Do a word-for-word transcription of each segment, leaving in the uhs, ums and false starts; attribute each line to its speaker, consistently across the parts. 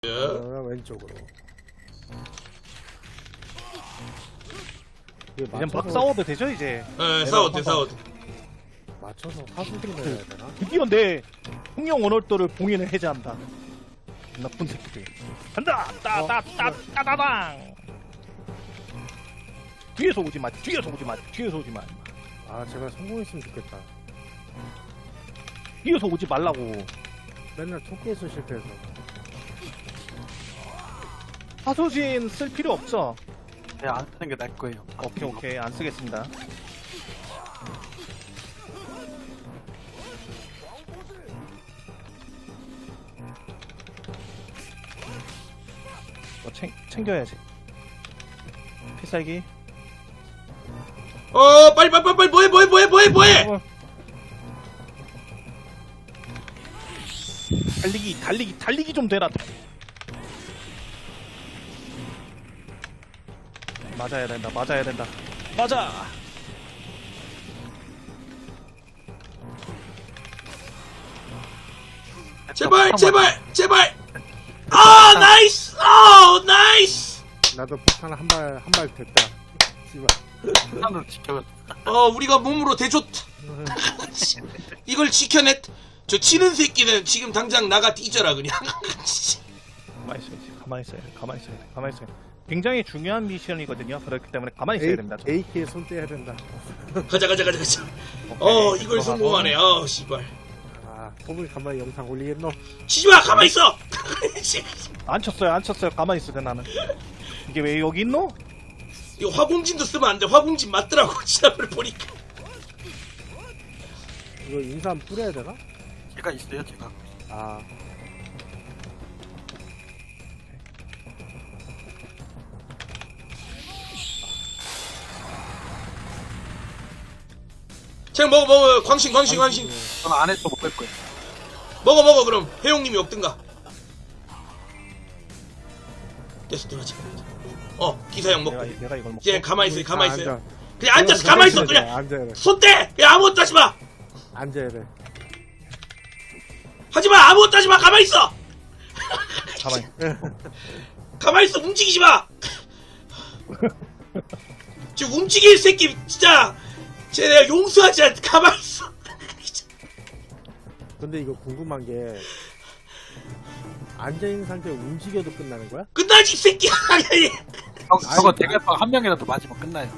Speaker 1: 어, 왼쪽으로. 이게
Speaker 2: 이제 막
Speaker 1: 맞춰서,
Speaker 2: 싸워도 되죠 이제.
Speaker 3: 예, 싸워도 싸워도.
Speaker 1: 맞춰서 사수들을 넣어야 되나?
Speaker 2: 드디어 내 홍영 원월도를 봉인을 해제한다. 나쁜 새끼들. 간다! 따따따따따당! 뒤에서 오지 마, 뒤에서 오지 마, 뒤에서 오지 마.
Speaker 1: 아, 제발 성공했으면 좋겠다.
Speaker 2: 뒤에서 오지 말라고.
Speaker 1: 맨날 토크에서 실패해서.
Speaker 2: 하소진 쓸 필요 없죠?
Speaker 4: 네, 안 쓰는 게 나을 거예요.
Speaker 2: 오케이, 오케이. 안 쓰겠습니다. 뭐 챙, 챙겨야지. 필살기.
Speaker 3: 어, 빨리 빨리 빨리 빨리 뭐해 뭐해 뭐해 뭐해 뭐해.
Speaker 2: 어. 달리기, 달리기, 달리기 좀 되라. 맞아야 된다, 맞아야 된다. 맞아!
Speaker 3: 제발 제발 제발. 아, 나이스. 아, 나이스.
Speaker 1: 나도 폭탄 한 발, 한 발 됐다. 씨발.
Speaker 4: 하나로 지켜.
Speaker 3: 어, 우리가 몸으로 대줬. 이걸 지켜냈. 저 치는 새끼는 지금 당장 나가 뒤져라 그냥.
Speaker 2: 가만히 있어야지, 가만히 있어야 돼, 가만히 있어야 돼, 가만히 있어야 돼. 굉장히 중요한 미션이거든요. 그렇기 때문에 가만히 있어야 됩니다. 좀.
Speaker 1: 에이케이에 손 떼야 된다.
Speaker 3: 가자 가자 가자 가자.
Speaker 2: 오케이,
Speaker 3: 어, 이걸
Speaker 2: 들어가고.
Speaker 3: 성공하네. 어, 씨발.
Speaker 1: 아, 포블 간만에 영상 올리겠노?
Speaker 3: 치지마, 가만히 있어.
Speaker 2: 안 쳤어요, 안 쳤어요. 가만히 있어야 돼, 나는. 이게 왜 여기 있노?
Speaker 3: 이거 화공진도 쓰면 안 돼. 화공진 맞더라고. 지난번에 보니까.
Speaker 1: 이거 인삼 뿌려야 되나?
Speaker 4: 제가 있어요, 제가.
Speaker 1: 아,
Speaker 3: 쟤 먹어 먹어. 광신 광신 광신.
Speaker 4: 저는 안에서 먹을 거예요.
Speaker 3: 먹어 먹어. 그럼 해용님이 먹든가. 됐어, 들어가자. 어, 기사형 먹고.
Speaker 2: 내가, 내가 이걸 먹고.
Speaker 3: 이제 가만히 있어요. 가만히
Speaker 1: 아,
Speaker 3: 있어요.
Speaker 1: 앉아.
Speaker 3: 그냥 앉아서 가만히 있어. 그냥
Speaker 1: 앉아야 돼.
Speaker 3: 손 떼. 그냥 아무것도 하지 마.
Speaker 1: 앉아야 돼.
Speaker 3: 하지 마. 아무것도 하지 마. 가만히 있어.
Speaker 2: 가만히.
Speaker 3: 가만히 있어. 움직이지 마. 지금 움직일 새끼 진짜. 쟤 내가 용서하지 않. 가만히 있어.
Speaker 1: 근데 이거 궁금한 게 앉아있는 상태로 움직여도 끝나는 거야?
Speaker 3: 끝나지 이 새끼야.
Speaker 4: 저, 저거 대갈빵 한 명이라도 맞으면 끝나요.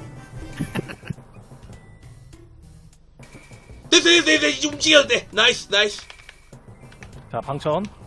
Speaker 3: 됐어 됐어 됐어. 이제 움직여도 돼. 나이스 나이스.
Speaker 2: 자, 방천.